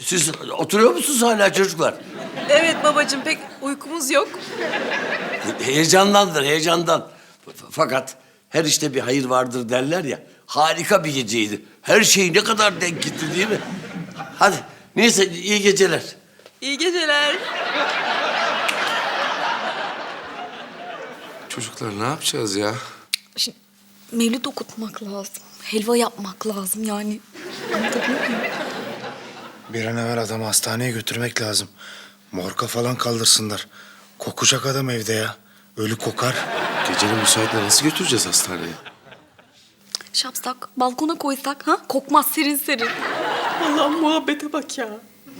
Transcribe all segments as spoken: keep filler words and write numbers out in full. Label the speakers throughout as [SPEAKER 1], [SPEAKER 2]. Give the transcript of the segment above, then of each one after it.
[SPEAKER 1] Siz oturuyor musunuz hala çocuklar?
[SPEAKER 2] Evet babacığım, pek uykumuz yok.
[SPEAKER 1] Heyecandandır, heyecandan. F- Fakat her işte bir hayır vardır derler ya. Harika bir geceydi. Her şey ne kadar denk gitti değil mi? Hadi, neyse iyi geceler.
[SPEAKER 2] İyi geceler.
[SPEAKER 3] Çocuklar ne yapacağız ya?
[SPEAKER 4] Şimdi mevlüt okutmak lazım. Helva yapmak lazım yani. Anlatabiliyor muyum?
[SPEAKER 5] Bir an evvel adamı hastaneye götürmek lazım. Morga falan kaldırsınlar. Kokacak adam evde ya. Ölü kokar.
[SPEAKER 3] Gecenin müsaitle nasıl götüreceğiz hastaneye?
[SPEAKER 4] Şey yapsak, balkona koysak ha? Kokmaz serin serin.
[SPEAKER 2] Allah'ım muhabbete bak ya.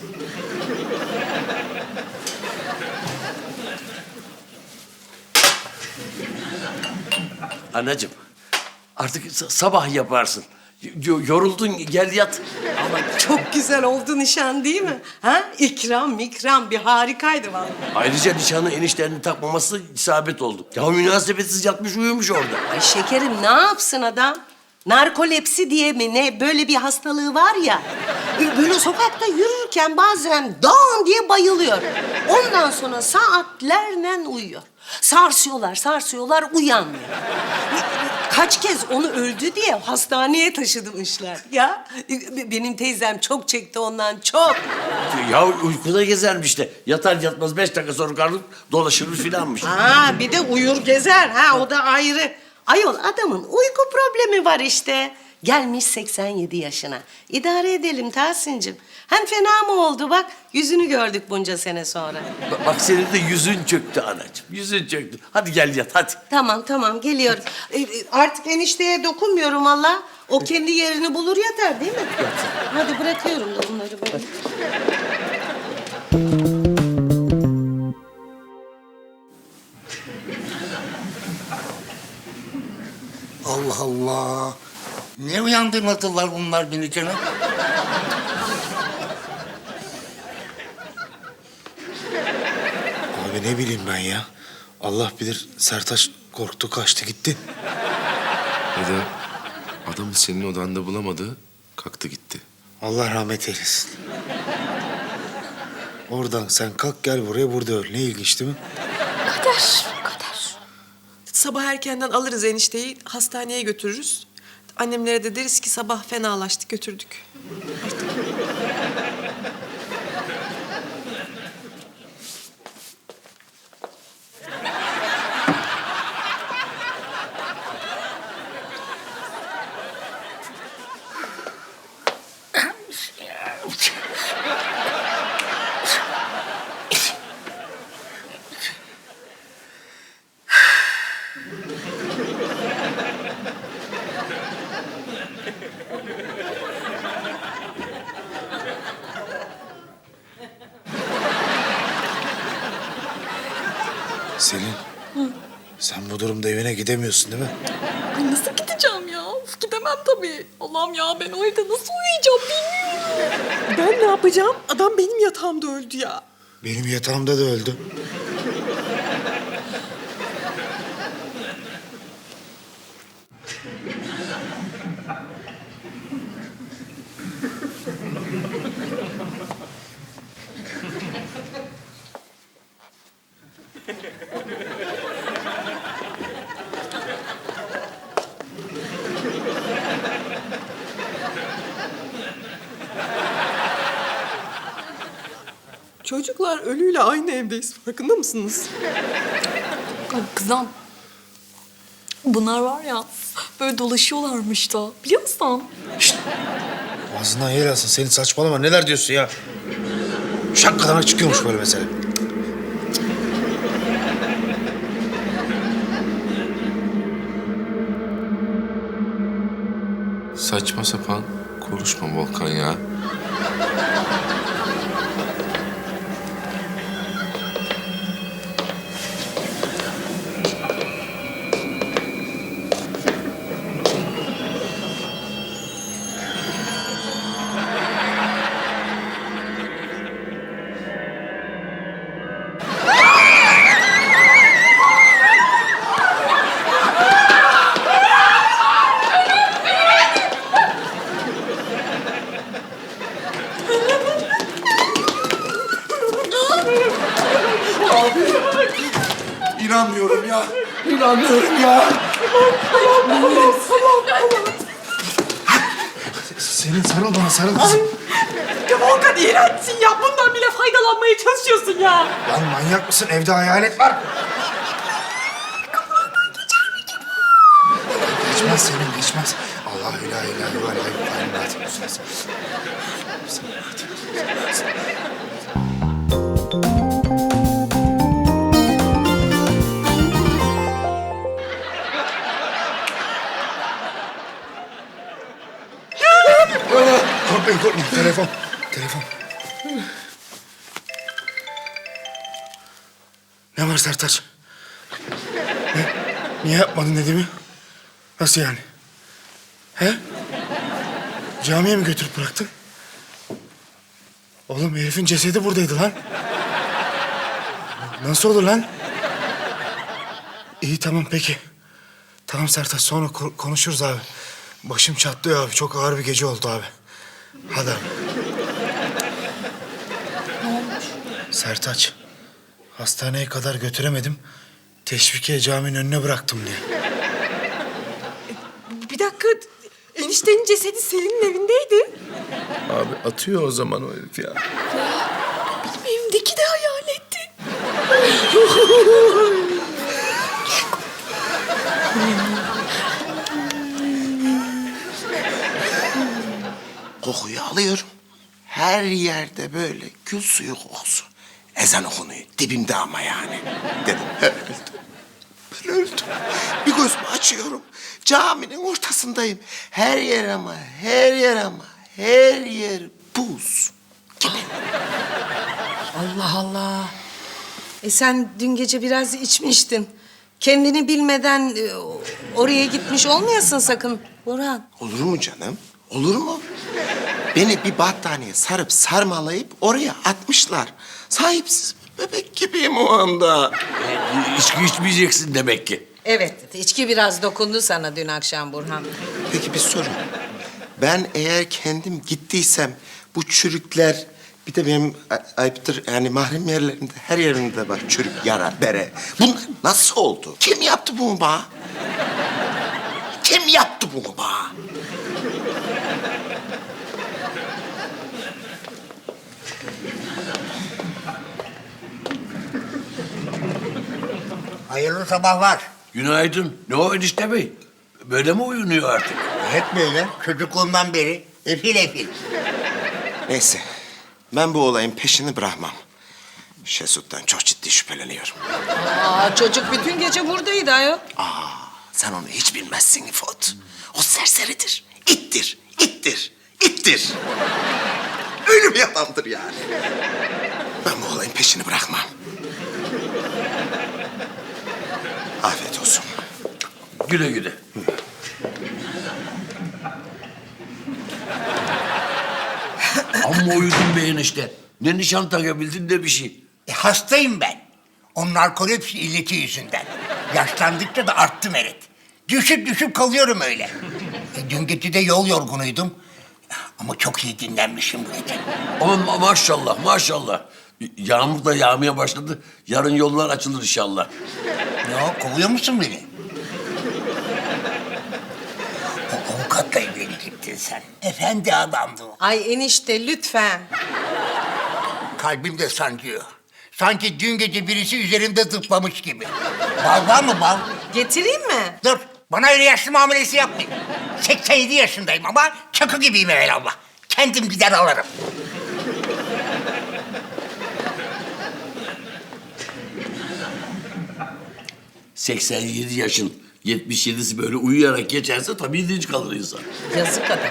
[SPEAKER 1] Anacığım, artık sa- sabah yaparsın. Y- yoruldun, gel yat.
[SPEAKER 6] Ama çok güzel oldu nişan değil mi? Ha? İkram mikram bir harikaydı vallahi.
[SPEAKER 1] Ayrıca nişanı enişterini takmaması isabet oldu. Ya münasebetsiz yatmış uyumuş orada.
[SPEAKER 6] Ay şekerim ne yapsın adam? Narkolepsi diye mi ne böyle bir hastalığı var ya. Böyle sokakta yürürken bazen dağın diye bayılıyor. Ondan sonra saatlerle uyuyor. Sarsıyorlar, sarsıyorlar, uyanmıyor. Kaç kez onu öldü diye hastaneye taşımışlar ya. Benim teyzem çok çekti ondan, çok.
[SPEAKER 1] Ya uykuda gezermiş de. Yatar yatmaz beş dakika sonra karnı dolaşırmış filanmış.
[SPEAKER 6] Ha bir de uyur gezer ha o da ayrı. Ayol adamın uyku problemi var işte. Gelmiş seksen yedi yaşına. İdare edelim Tahsin'cim. Hem fena mı oldu bak yüzünü gördük bunca sene sonra.
[SPEAKER 1] Ba- Bak senin de yüzün çöktü anacığım. Yüzün çöktü. Hadi gel yat hadi.
[SPEAKER 6] Tamam tamam geliyorum. Ee, artık enişteye dokunmuyorum valla. O kendi yerini bulur yatar değil mi? Hadi bırakıyorum da bunları böyle.
[SPEAKER 7] Allah Allah. Ne uyandırmadılar bunlar beni canım?
[SPEAKER 5] Abi ne bileyim ben ya. Allah bilir Sertaç korktu kaçtı gitti.
[SPEAKER 3] Neden? Adamı senin odanda bulamadı, kalktı gitti.
[SPEAKER 5] Allah rahmet eylesin. Oradan sen kalk gel buraya burada öl. Ne ilginç değil mi?
[SPEAKER 4] Kader, kader.
[SPEAKER 2] Sabah erkenden alırız enişteyi, hastaneye götürürüz. Annemlere de deriz ki sabah fenalaştı, götürdük.
[SPEAKER 5] Selin. Sen bu durumda evine gidemiyorsun değil mi?
[SPEAKER 4] Ay nasıl gideceğim ya? Of, gidemem tabii. Allah'ım ya ben o evde nasıl uyuyacağım bilmiyorum.
[SPEAKER 2] Ben ne yapacağım? Adam benim yatağımda öldü ya.
[SPEAKER 5] Benim yatağımda da öldü.
[SPEAKER 2] Çocuklar ölüyle aynı evdeyiz, farkında mısınız?
[SPEAKER 4] Ay kızım. Bunlar var ya böyle dolaşıyorlarmış da biliyor musun?
[SPEAKER 5] Ağzından yer alsın. Senin saçmalama. Neler diyorsun ya? Şakkadan çıkıyormuş böyle mesele.
[SPEAKER 3] Saçma sapan konuşma Volkan ya.
[SPEAKER 5] İnanmıyorum ya. Senin sarıl bana, sarıl kızım.
[SPEAKER 2] Ya Volkan iğrençsin ya. Bundan bile faydalanmaya çalışıyorsun ya.
[SPEAKER 5] Lan manyak mısın? Evde hayalet var. Geçmez senin, geçmez. Allahü la ilahe ve la ilahe illa Korkmayın, korkmayın. Telefon, telefon. Ne var Sertaç? Ne? Niye yapmadın dediğimi? Nasıl yani? He? Camiye mi götürüp bıraktın? Oğlum herifin cesedi buradaydı lan. Nasıl olur lan? İyi tamam peki. Tamam Sertaç sonra ko- konuşuruz abi. Başım çatlıyor abi. Çok ağır bir gece oldu abi. Hadi abi.
[SPEAKER 4] Ne olmuş?
[SPEAKER 5] Sertaç. Hastaneye kadar götüremedim. Teşvikiye caminin önüne bıraktım diye.
[SPEAKER 2] Bir dakika. Eniştenin cesedi Selin'in evindeydi.
[SPEAKER 3] Abi atıyor o zaman o herif ya.
[SPEAKER 4] Benim evimdeki de hayaletti.
[SPEAKER 8] Kokuyu alıyorum. Her yerde böyle gül suyu kokusu. Ezan okunuyor. Dibimde ama yani. Dedim ben öldüm. Ben öldüm. Bir gözümü açıyorum. Caminin ortasındayım. Her yer ama, her yer ama, her yer buz gibi.
[SPEAKER 6] Allah Allah. E sen dün gece biraz içmiştin. Kendini bilmeden e, oraya gitmiş olmayasın sakın Burhan.
[SPEAKER 8] Olur mu canım? Olur mu? Beni bir battaniye sarıp sarmalayıp oraya atmışlar. Sahipsiz bebek gibiyim o anda.
[SPEAKER 1] E, içki içmeyeceksin demek ki.
[SPEAKER 6] Evet, içki biraz dokundu sana dün akşam Burhan.
[SPEAKER 8] Peki bir soru. Ben eğer kendim gittiysem bu çürükler bir de benim a- ayıptır yani mahrem yerlerimde her yerimde var çürük, yara, bere. Bunlar nasıl oldu? Kim yaptı bunu bana? Kim yaptı bunu bana?
[SPEAKER 7] Hayırlı sabahlar.
[SPEAKER 1] Günaydın. Ne o enişte bey? Böyle mi uyunuyor artık?
[SPEAKER 7] Hep böyle çocukluğumdan beri efil efil.
[SPEAKER 8] Neyse. Ben bu olayın peşini bırakmam. Şesut'tan çok ciddi şüpheleniyorum.
[SPEAKER 6] Aa, çocuk bütün gece buradaydı ayol.
[SPEAKER 8] Aa, sen onu hiç bilmezsin İfot. O serseridir, ittir, ittir, ittir. Öyle bir adamdır yani. Ben bu olayın peşini bırakmam. Afiyet olsun.
[SPEAKER 1] Güle güle. Amma uyudun be enişte. Ne nişan takabildin ne bir şey.
[SPEAKER 7] E, hastayım ben. O narkolepsi illeti yüzünden. Yaşlandıkça da arttı Meret. Düşüp düşüp kalıyorum öyle. E, dün gece de yol yorgunuydum. Ama çok iyi dinlenmişim bu gece.
[SPEAKER 1] Ama ma- maşallah maşallah. Yağmur da yağmaya başladı. Yarın yollar açılır inşallah.
[SPEAKER 7] Ne o, kovuyor musun beni? O avukatla evlenecektin sen. Efendi adamdı o.
[SPEAKER 6] Ay enişte lütfen.
[SPEAKER 7] Kalbim de sancıyor. Sanki dün gece birisi üzerimde zıplamış gibi. Bal var mı bal?
[SPEAKER 6] Getireyim mi?
[SPEAKER 7] Dur, bana öyle yaşlı muamelesi yapmayın. seksen yedi yaşındayım ama çakı gibiyim evelallah. Kendim gider alırım.
[SPEAKER 1] seksen yedi yaşın yetmiş yedisi böyle uyuyarak geçerse tabii dinç kalır insan.
[SPEAKER 6] Yazık adam.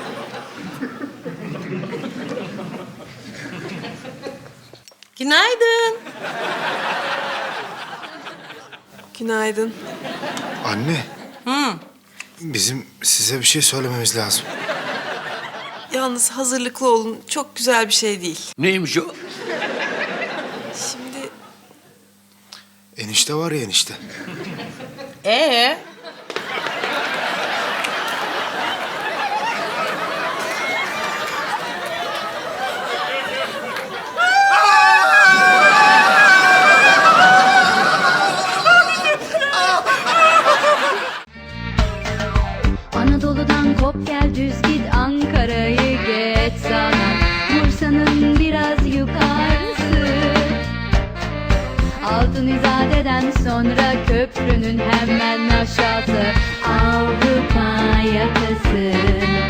[SPEAKER 6] Günaydın.
[SPEAKER 2] Günaydın.
[SPEAKER 5] Anne. Hı. Bizim size bir şey söylememiz lazım.
[SPEAKER 2] Yalnız hazırlıklı olun. Çok güzel bir şey değil.
[SPEAKER 1] Neymiş o?
[SPEAKER 2] Şimdi
[SPEAKER 5] Enişte var ya enişte.
[SPEAKER 6] Ee?
[SPEAKER 9] Hop gel düz git Ankara'yı geç sana, Bursa'nın biraz yukarısı. Altın İzade'den sonra köprünün hemen aşağısı, Avrupa yakası.